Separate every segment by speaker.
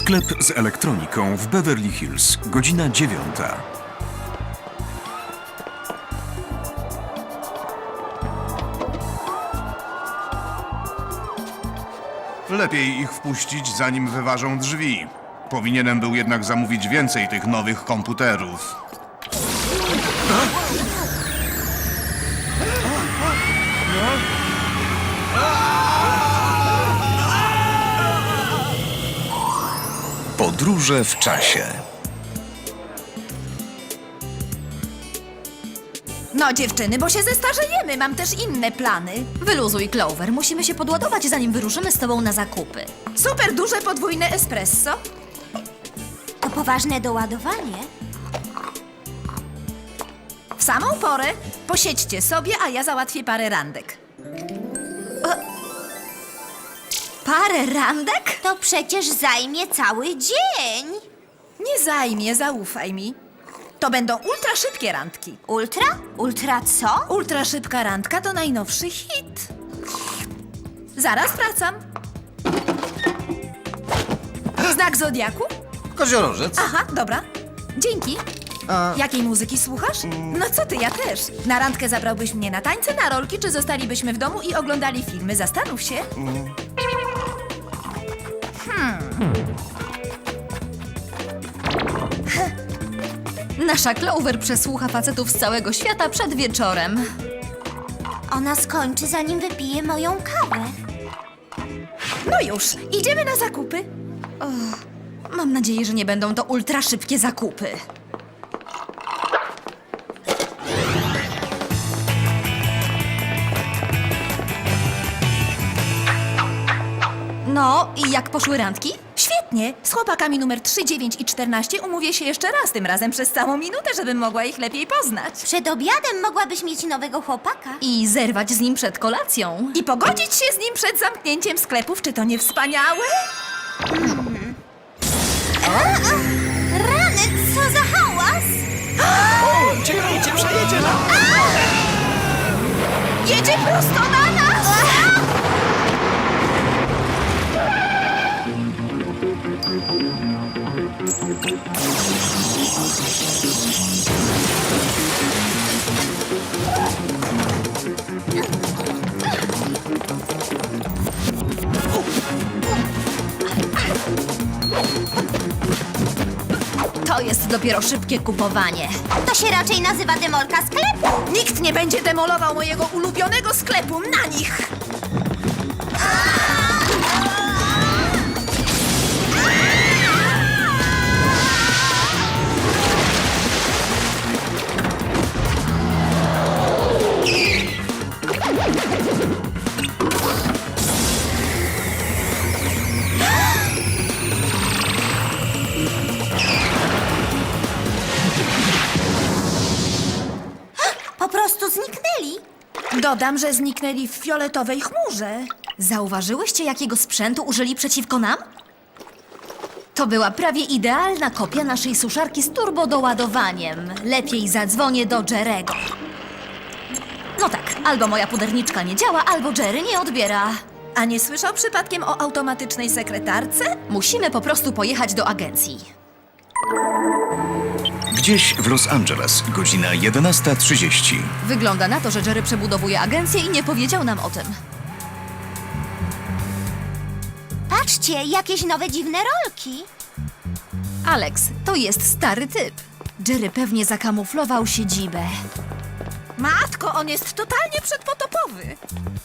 Speaker 1: Sklep z elektroniką w Beverly Hills. Godzina 9.
Speaker 2: Lepiej ich wpuścić, zanim wyważą drzwi. Powinienem był jednak zamówić więcej tych nowych komputerów.
Speaker 1: Podróże w czasie.
Speaker 3: No dziewczyny, bo się zestarzejemy, mam też inne plany.
Speaker 4: Wyluzuj, Clover. Musimy się podładować, zanim wyruszymy z tobą na zakupy.
Speaker 3: Super duże podwójne espresso.
Speaker 5: To poważne doładowanie.
Speaker 3: W samą porę posiedźcie sobie, a ja załatwię parę randek.
Speaker 4: Parę randek?
Speaker 5: To przecież zajmie cały dzień.
Speaker 3: Nie zajmie, zaufaj mi. To będą ultra szybkie randki.
Speaker 5: Ultra? Ultra co?
Speaker 3: Ultra szybka randka to najnowszy hit. Zaraz wracam. Znak zodiaku?
Speaker 6: Koziorożec.
Speaker 3: Aha, dobra. Dzięki. Jakiej muzyki słuchasz? No co ty, ja też. Na randkę zabrałbyś mnie na tańce, na rolki, czy zostalibyśmy w domu i oglądali filmy? Zastanów się.
Speaker 4: Nasza Clover przesłucha facetów z całego świata przed wieczorem.
Speaker 5: Ona skończy, zanim wypije moją kawę.
Speaker 3: No już, idziemy na zakupy.
Speaker 4: Mam nadzieję, że nie będą to ultra szybkie zakupy. No, i jak poszły randki?
Speaker 3: Świetnie. Z chłopakami numer 3, 9 i 14 umówię się jeszcze raz, tym razem przez całą minutę, żebym mogła ich lepiej poznać.
Speaker 5: Przed obiadem mogłabyś mieć nowego chłopaka.
Speaker 4: I zerwać z nim przed kolacją.
Speaker 3: I pogodzić się z nim przed zamknięciem sklepów, czy to nie wspaniałe?
Speaker 5: Rany, co za hałas!
Speaker 6: Uciekajcie, przejedzie nam!
Speaker 3: Jedzie prosto na nas!
Speaker 4: To jest dopiero szybkie kupowanie.
Speaker 5: To się raczej nazywa demolka sklepu.
Speaker 3: Nikt nie będzie demolował mojego ulubionego sklepu na nich!
Speaker 5: Po prostu zniknęli.
Speaker 3: Dodam, że zniknęli w fioletowej chmurze.
Speaker 4: Zauważyłyście, jakiego sprzętu użyli przeciwko nam? To była prawie idealna kopia naszej suszarki z turbodoładowaniem. Lepiej zadzwonię do Jerego. No tak, albo moja puderniczka nie działa, albo Jerry nie odbiera.
Speaker 3: A nie słyszał przypadkiem o automatycznej sekretarce?
Speaker 4: Musimy po prostu pojechać do agencji.
Speaker 1: Gdzieś w Los Angeles. Godzina 11:30.
Speaker 4: Wygląda na to, że Jerry przebudowuje agencję i nie powiedział nam o tym.
Speaker 5: Patrzcie, jakieś nowe dziwne rolki.
Speaker 4: Alex, to jest stary typ. Jerry pewnie zakamuflował siedzibę.
Speaker 3: Matko, on jest totalnie przedpotopowy.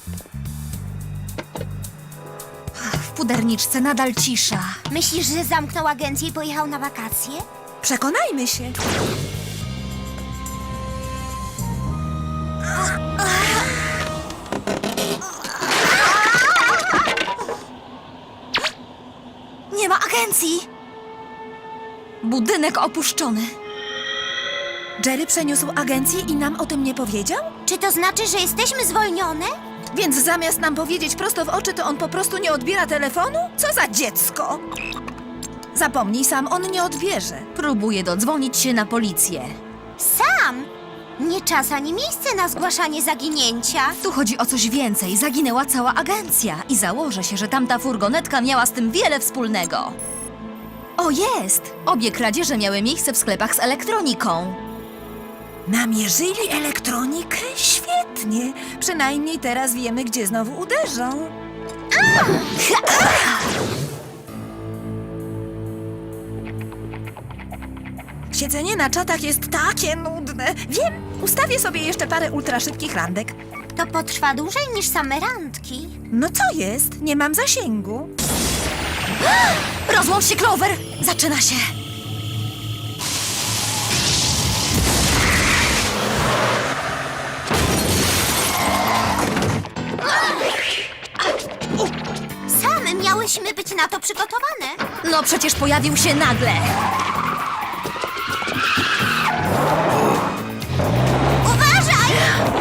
Speaker 4: W puderniczce nadal cisza.
Speaker 5: Myślisz, że zamknął agencję i pojechał na wakacje?
Speaker 3: Przekonajmy się.
Speaker 4: Nie ma agencji! Budynek opuszczony.
Speaker 3: Jerry przeniósł agencję i nam o tym nie powiedział?
Speaker 5: Czy to znaczy, że jesteśmy zwolnione?
Speaker 3: Więc zamiast nam powiedzieć prosto w oczy, to on po prostu nie odbiera telefonu? Co za dziecko! Zapomnij sam, on nie odbierze.
Speaker 4: Próbuje dodzwonić się na policję.
Speaker 5: Sam! Nie czas ani miejsce na zgłaszanie zaginięcia.
Speaker 4: Tu chodzi o coś więcej. Zaginęła cała agencja i założę się, że tamta furgonetka miała z tym wiele wspólnego. O, jest! Obie kradzieże miały miejsce w sklepach z elektroniką.
Speaker 3: Namierzyli elektronikę? Świetnie. Przynajmniej teraz wiemy, gdzie znowu uderzą. Siedzenie na czatach jest takie nudne. Wiem, ustawię sobie jeszcze parę ultraszybkich randek.
Speaker 5: To potrwa dłużej niż same randki.
Speaker 3: No co jest? Nie mam zasięgu.
Speaker 4: Rozłącz się, Clover! Zaczyna się!
Speaker 5: Sam miałyśmy być na to przygotowane.
Speaker 4: No przecież pojawił się nagle!
Speaker 5: Uważaj!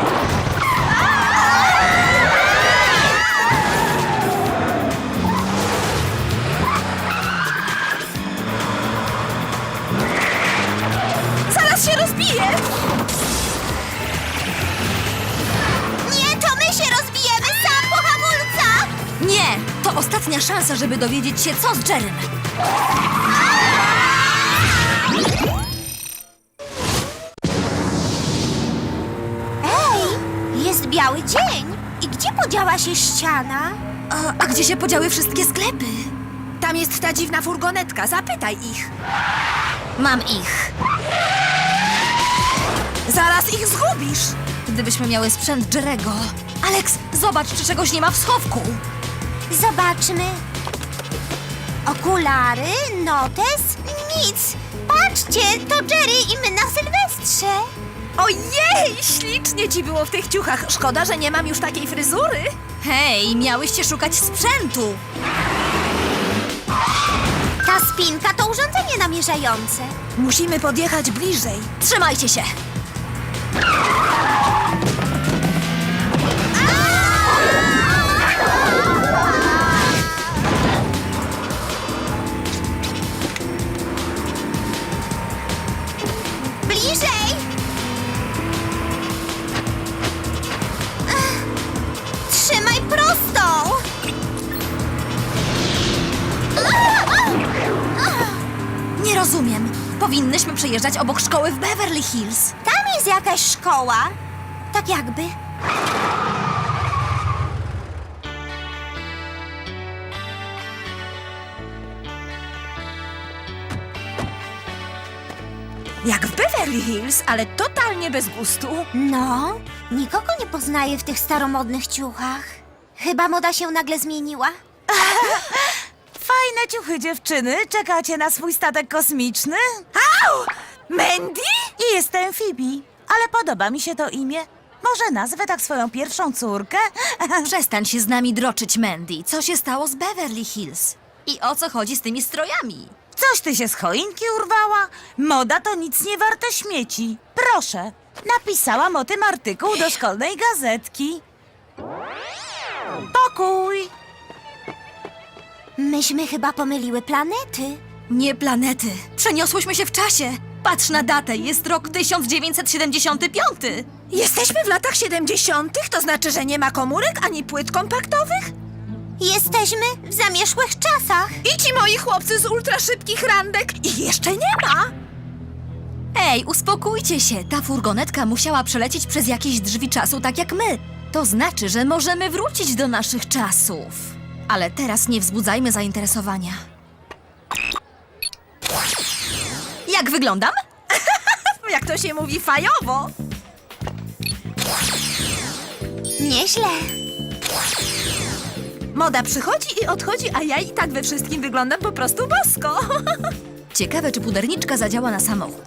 Speaker 3: Zaraz się rozbije!
Speaker 5: Nie, to my się rozbijemy sam po hamulcach!
Speaker 4: Nie! To ostatnia szansa, żeby dowiedzieć się, co z Jerrym.
Speaker 5: Ej, jest biały dzień. I gdzie podziała się ściana?
Speaker 4: A gdzie się podziały wszystkie sklepy?
Speaker 3: Tam jest ta dziwna furgonetka, zapytaj ich.
Speaker 4: Mam ich.
Speaker 3: Zaraz ich zgubisz.
Speaker 4: Gdybyśmy miały sprzęt Jerego. Alex, zobacz, czy czegoś nie ma w schowku.
Speaker 5: Zobaczmy. Okulary, notes, nic. Patrzcie, to Jerry i my na Sylwestrze.
Speaker 3: Ojej, ślicznie ci było w tych ciuchach. Szkoda, że nie mam już takiej fryzury.
Speaker 4: Hej, miałyście szukać sprzętu.
Speaker 5: Ta spinka to urządzenie namierzające.
Speaker 3: Musimy podjechać bliżej.
Speaker 4: Trzymajcie się.
Speaker 5: Bliżej! Trzymaj prostą!
Speaker 4: Nie rozumiem. Powinnyśmy przejeżdżać obok szkoły w Beverly Hills.
Speaker 5: Tam jest jakaś szkoła. Tak jakby.
Speaker 3: Jak w Beverly Hills, ale totalnie bez gustu.
Speaker 5: No, nikogo nie poznaję w tych staromodnych ciuchach. Chyba moda się nagle zmieniła.
Speaker 7: Fajne ciuchy, dziewczyny. Czekacie na swój statek kosmiczny?
Speaker 3: Au! Mandy?
Speaker 7: I jestem Phoebe, ale podoba mi się to imię. Może nazwę tak swoją pierwszą córkę?
Speaker 4: Przestań się z nami droczyć, Mandy. Co się stało z Beverly Hills? I o co chodzi z tymi strojami?
Speaker 7: Coś ty się z choinki urwała? Moda to nic nie warte śmieci. Proszę, napisałam o tym artykuł do szkolnej gazetki. Pokój!
Speaker 5: Myśmy chyba pomyliły planety.
Speaker 4: Nie planety. Przeniosłyśmy się w czasie. Patrz na datę, jest rok 1975.
Speaker 3: Jesteśmy w latach 70., to znaczy, że nie ma komórek ani płyt kompaktowych?
Speaker 5: Jesteśmy w zamierzchłych czasach.
Speaker 3: I ci moi chłopcy z ultraszybkich randek ich jeszcze nie ma.
Speaker 4: Ej, uspokójcie się. Ta furgonetka musiała przelecieć przez jakieś drzwi czasu, tak jak my. To znaczy, że możemy wrócić do naszych czasów. Ale teraz nie wzbudzajmy zainteresowania. Jak wyglądam?
Speaker 3: Jak to się mówi, fajowo.
Speaker 5: Nieźle.
Speaker 3: Moda przychodzi i odchodzi, a ja i tak we wszystkim wyglądam po prostu bosko.
Speaker 4: Ciekawe, czy puderniczka zadziała na samochód.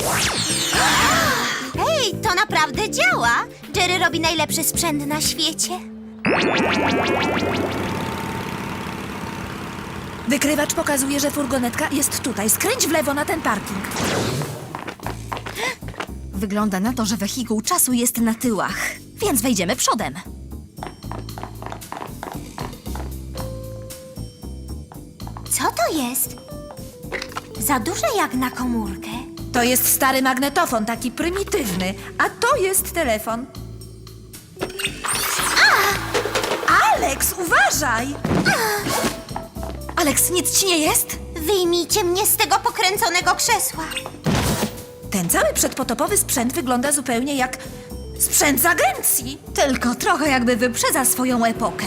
Speaker 5: Hej, to naprawdę działa. Jerry robi najlepszy sprzęt na świecie.
Speaker 3: Wykrywacz pokazuje, że furgonetka jest tutaj. Skręć w lewo na ten parking.
Speaker 4: Wygląda na to, że wehikuł czasu jest na tyłach, więc wejdziemy przodem.
Speaker 5: Co to jest? Za duże jak na komórkę.
Speaker 3: To jest stary magnetofon, taki prymitywny, a to jest telefon. Alex, uważaj!
Speaker 4: Alex, nic ci nie jest?
Speaker 5: Wyjmijcie mnie z tego pokręconego krzesła.
Speaker 3: Ten cały przedpotopowy sprzęt wygląda zupełnie jak sprzęt z agencji.
Speaker 4: Tylko trochę jakby wyprzedza swoją epokę.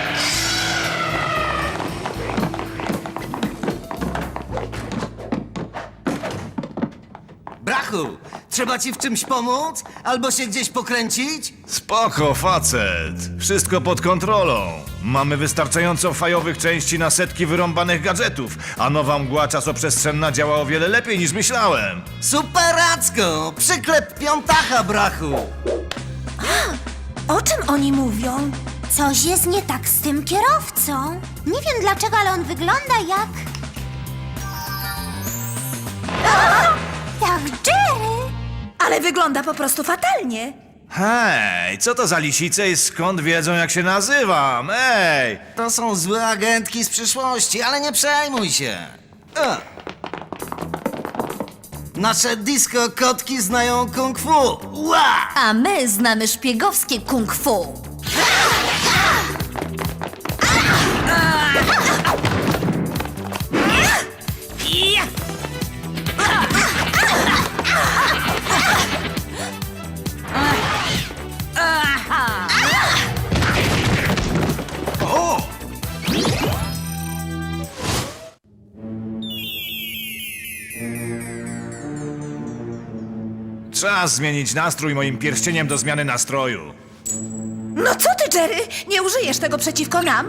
Speaker 6: Brachu, trzeba ci w czymś pomóc? Albo się gdzieś pokręcić?
Speaker 8: Spoko, facet. Wszystko pod kontrolą. Mamy wystarczająco fajowych części na setki wyrąbanych gadżetów, a nowa mgła czasoprzestrzenna działa o wiele lepiej niż myślałem.
Speaker 6: Superacko! Przyklep piątacha, brachu!
Speaker 3: O czym oni mówią?
Speaker 5: Coś jest nie tak z tym kierowcą. Nie wiem dlaczego, ale on wygląda jak... Jak Jerry.
Speaker 3: Ale wygląda po prostu fatalnie.
Speaker 8: Hej, co to za lisice i skąd wiedzą, jak się nazywam? Ej!
Speaker 6: To są złe agentki z przyszłości, ale nie przejmuj się. Nasze disco kotki znają kung fu. Ła!
Speaker 4: A my znamy szpiegowskie kung fu.
Speaker 8: Czas zmienić nastrój moim pierścieniem do zmiany nastroju.
Speaker 3: No co ty, Jerry? Nie użyjesz tego przeciwko nam?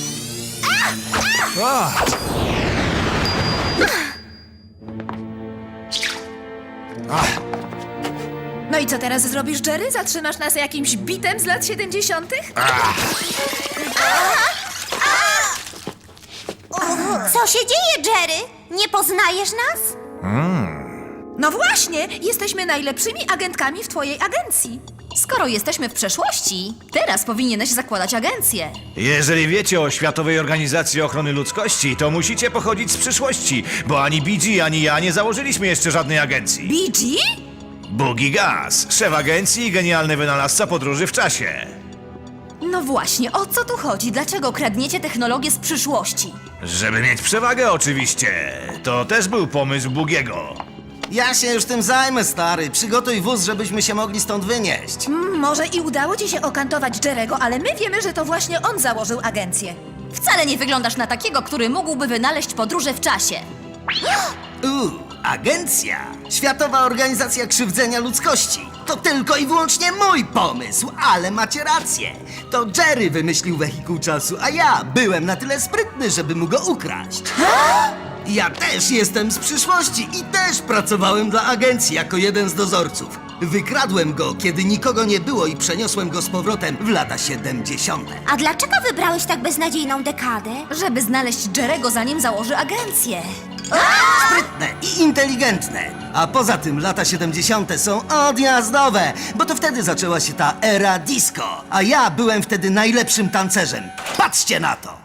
Speaker 3: No i co teraz zrobisz, Jerry? Zatrzymasz nas jakimś bitem z lat 70.?
Speaker 5: Co się dzieje, Jerry? Nie poznajesz nas?
Speaker 3: No właśnie, jesteśmy najlepszymi agentkami w twojej agencji.
Speaker 4: Skoro jesteśmy w przeszłości, teraz powinieneś zakładać agencję.
Speaker 8: Jeżeli wiecie o Światowej Organizacji Ochrony Ludzkości, to musicie pochodzić z przyszłości, bo ani BG, ani ja nie założyliśmy jeszcze żadnej agencji.
Speaker 3: BG?
Speaker 8: Boogie Gas, szef agencji i genialny wynalazca podróży w czasie.
Speaker 4: No właśnie, o co tu chodzi? Dlaczego kradniecie technologię z przyszłości?
Speaker 8: Żeby mieć przewagę oczywiście. To też był pomysł Boogiego.
Speaker 6: Ja się już tym zajmę, stary. Przygotuj wóz, żebyśmy się mogli stąd wynieść.
Speaker 3: Może i udało ci się okantować Jerego, ale my wiemy, że to właśnie on założył agencję.
Speaker 4: Wcale nie wyglądasz na takiego, który mógłby wynaleźć podróże w czasie.
Speaker 6: Agencja! Światowa Organizacja Krzywdzenia Ludzkości. To tylko i wyłącznie mój pomysł, ale macie rację. To Jerry wymyślił wehikuł czasu, a ja byłem na tyle sprytny, żeby mu go ukraść. Ja też jestem z przyszłości i też pracowałem dla agencji jako jeden z dozorców. Wykradłem go, kiedy nikogo nie było i przeniosłem go z powrotem w lata 70.
Speaker 5: A dlaczego wybrałeś tak beznadziejną dekadę?
Speaker 4: Żeby znaleźć Jerego, zanim założy agencję.
Speaker 6: Sprytne i inteligentne. A poza tym lata 70. są odjazdowe, bo to wtedy zaczęła się ta era disco. A ja byłem wtedy najlepszym tancerzem. Patrzcie na to!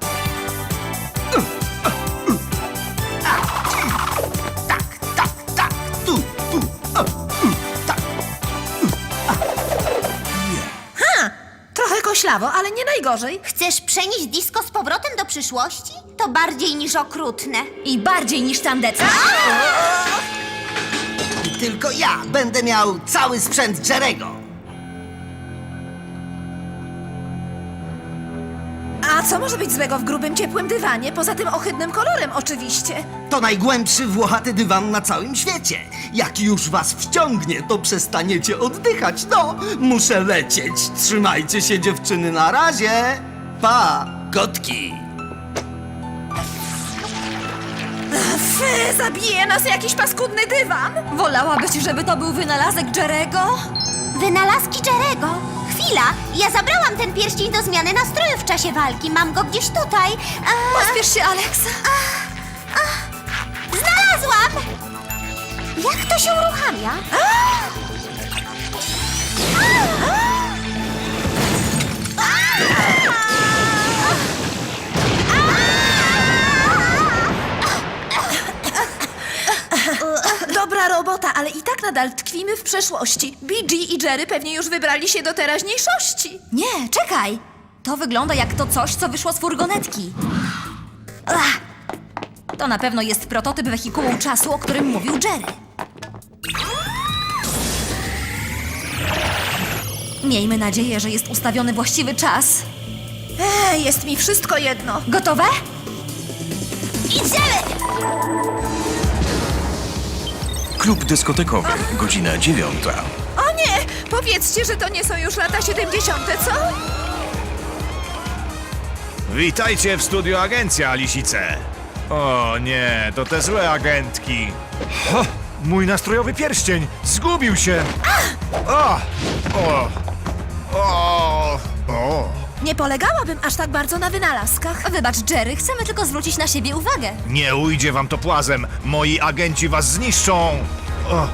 Speaker 6: Tak, tu, tak.
Speaker 3: Trochę koślawo, ale nie najgorzej.
Speaker 5: Chcesz przenieść disco z powrotem do przyszłości? To bardziej niż okrutne.
Speaker 4: I bardziej niż tandetne.
Speaker 6: I tylko ja będę miał cały sprzęt Jerego.
Speaker 3: A co może być złego w grubym, ciepłym dywanie? Poza tym ohydnym kolorem oczywiście.
Speaker 6: To najgłębszy włochaty dywan na całym świecie. Jak już was wciągnie, to przestaniecie oddychać. No, muszę lecieć. Trzymajcie się, dziewczyny, na razie. Pa, kotki.
Speaker 3: Fy, zabije nas jakiś paskudny dywan.
Speaker 4: Wolałabyś, żeby to był wynalazek Jerego?
Speaker 5: Wynalazki Jerego. Chwila, ja zabrałam ten pierścień do zmiany nastroju w czasie walki. Mam go gdzieś tutaj.
Speaker 4: Pospiesz się, Alex.
Speaker 5: Znalazłam! Jak to się uruchamia?
Speaker 3: Dobra robota, ale i tak nadal tkwimy w przeszłości. BG i Jerry pewnie już wybrali się do teraźniejszości.
Speaker 4: Nie, czekaj. To wygląda jak to coś, co wyszło z furgonetki. To na pewno jest prototyp wehikułu czasu, o którym mówił Jerry. Miejmy nadzieję, że jest ustawiony właściwy czas.
Speaker 3: Jest mi wszystko jedno.
Speaker 4: Gotowe?
Speaker 5: Idziemy!
Speaker 1: Klub dyskotekowy, godzina 9.
Speaker 3: O nie! Powiedzcie, że to nie są już lata 70., co?
Speaker 8: Witajcie w studio Agencja, Lisice. O nie, to te złe agentki. Ha, mój nastrojowy pierścień zgubił się. O, o, o, o.
Speaker 3: Nie polegałabym aż tak bardzo na wynalazkach.
Speaker 4: Wybacz, Jerry, chcemy tylko zwrócić na siebie uwagę.
Speaker 8: Nie ujdzie wam to płazem. Moi agenci was zniszczą. O,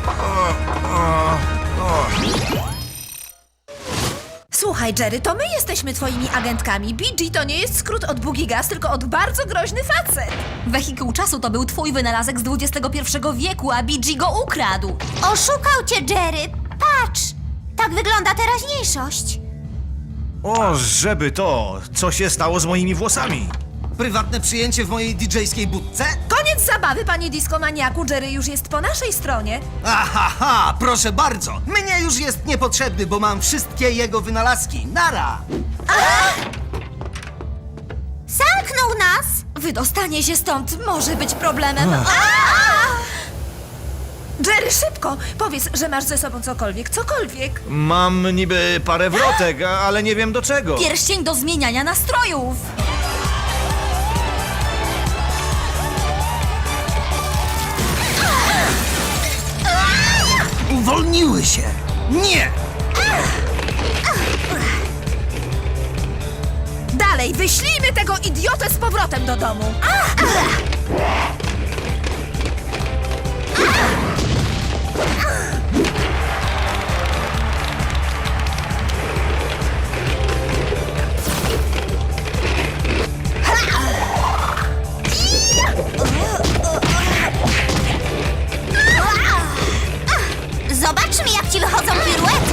Speaker 3: Słuchaj, Jerry, to my jesteśmy twoimi agentkami. BG to nie jest skrót od Boogie Gas, tylko od bardzo groźny facet.
Speaker 4: Wehikuł czasu to był twój wynalazek z XXI wieku, a BG go ukradł.
Speaker 5: Oszukał cię, Jerry. Patrz, tak wygląda teraźniejszość.
Speaker 8: o, żeby to. Co się stało z moimi włosami?
Speaker 6: Prywatne przyjęcie w mojej DJ-skiej budce?
Speaker 3: Koniec zabawy, panie diskomaniaku. Jerry już jest po naszej stronie.
Speaker 6: Aha, proszę bardzo. Mnie już jest niepotrzebny, bo mam wszystkie jego wynalazki. Nara!
Speaker 5: Zamknął nas.
Speaker 4: Wydostanie się stąd może być problemem.
Speaker 3: Jerry, szybko! Powiedz, że masz ze sobą cokolwiek.
Speaker 8: Mam niby parę wrotek, ale nie wiem do czego.
Speaker 4: Pierścień do zmieniania nastrojów.
Speaker 6: Uwolniły się! Nie!
Speaker 3: Dalej, wyślijmy tego idiotę z powrotem do domu.
Speaker 5: Zobaczmy, jak ci wychodzą piruety.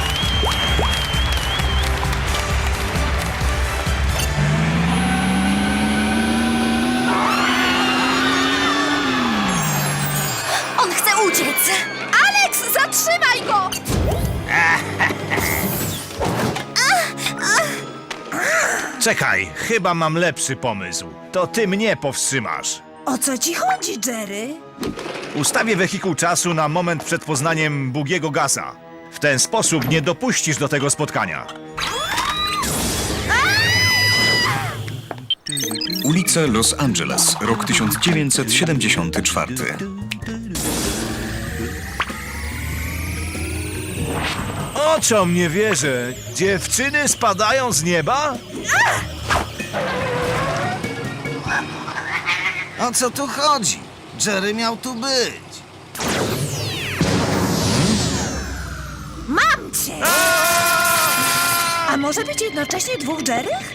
Speaker 4: On chce uciec.
Speaker 3: Alex, zatrzymaj go!
Speaker 8: Czekaj, chyba mam lepszy pomysł. To ty mnie powstrzymasz.
Speaker 3: O co ci chodzi, Jerry?
Speaker 8: Ustawię wehikuł czasu na moment przed poznaniem Boogiego Gasa. W ten sposób nie dopuścisz do tego spotkania.
Speaker 1: Ulice Los Angeles, rok 1974.
Speaker 8: Oczom nie wierzę. Dziewczyny spadają z nieba?
Speaker 6: O co tu chodzi? Jerry miał tu być.
Speaker 3: Mam cię! A może być jednocześnie dwóch Jerrych?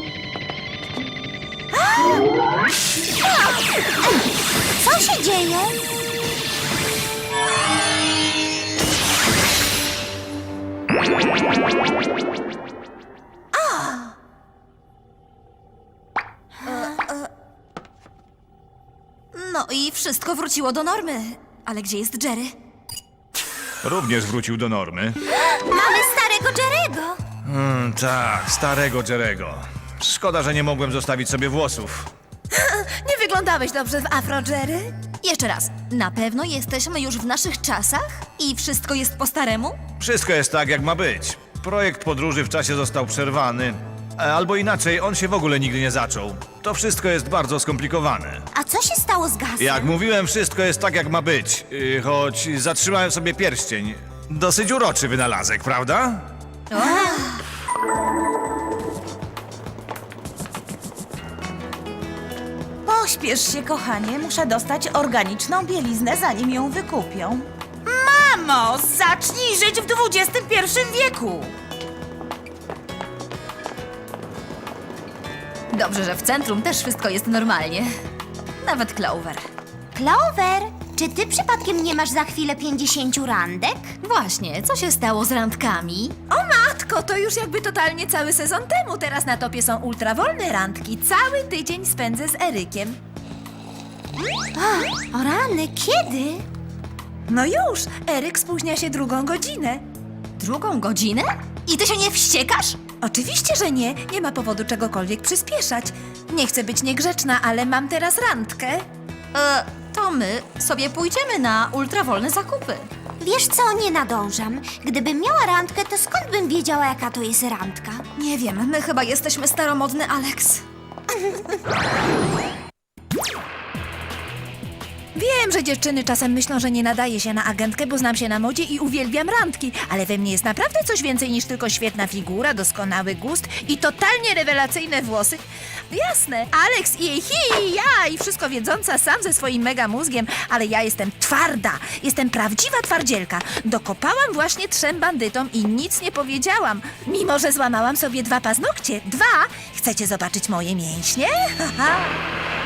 Speaker 5: Co się dzieje?
Speaker 4: No i wszystko wróciło do normy. Ale gdzie jest Jerry?
Speaker 8: Również wrócił do normy.
Speaker 5: Mamy starego Jerry'ego.
Speaker 8: Tak, starego Jerego. Szkoda, że nie mogłem zostawić sobie włosów.
Speaker 3: Nie wyglądałeś dobrze w afro, Jerry?
Speaker 4: Jeszcze raz. Na pewno jesteśmy już w naszych czasach? I wszystko jest po staremu?
Speaker 8: Wszystko jest tak, jak ma być. Projekt podróży w czasie został przerwany. Albo inaczej, on się w ogóle nigdy nie zaczął. To wszystko jest bardzo skomplikowane.
Speaker 5: A co się stało z Gasem?
Speaker 8: Jak mówiłem, wszystko jest tak, jak ma być. Choć zatrzymałem sobie pierścień. Dosyć uroczy wynalazek, prawda?
Speaker 7: Pośpiesz się, kochanie. Muszę dostać organiczną bieliznę, zanim ją wykupią. Mamo, zacznij żyć w XXI wieku.
Speaker 4: Dobrze, że w centrum też wszystko jest normalnie. Nawet Clover.
Speaker 5: Clover, czy ty przypadkiem nie masz za chwilę 50 randek?
Speaker 4: Właśnie, co się stało z randkami?
Speaker 3: O matko, to już jakby totalnie cały sezon temu. Teraz na topie są ultrawolne randki. Cały tydzień spędzę z Erykiem.
Speaker 5: O rany, kiedy?
Speaker 3: No już, Eryk spóźnia się 2 godzinę.
Speaker 4: 2 godzinę? I ty się nie wściekasz?
Speaker 3: Oczywiście, że nie. Nie ma powodu czegokolwiek przyspieszać. Nie chcę być niegrzeczna, ale mam teraz randkę.
Speaker 4: To my sobie pójdziemy na ultrawolne zakupy.
Speaker 5: Wiesz co, nie nadążam. Gdybym miała randkę, to skąd bym wiedziała, jaka to jest randka?
Speaker 4: Nie wiem, my chyba jesteśmy staromodne, Alex.
Speaker 3: Wiem, że dziewczyny czasem myślą, że nie nadaje się na agentkę, bo znam się na modzie i uwielbiam randki, ale we mnie jest naprawdę coś więcej niż tylko świetna figura, doskonały gust i totalnie rewelacyjne włosy. Jasne, Alex i jej ja i wszystko wiedząca sam ze swoim mega mózgiem, ale ja jestem twarda, jestem prawdziwa twardzielka. Dokopałam właśnie 3 bandytom i nic nie powiedziałam, mimo że złamałam sobie 2 paznokcie. 2! Chcecie zobaczyć moje mięśnie? Haha.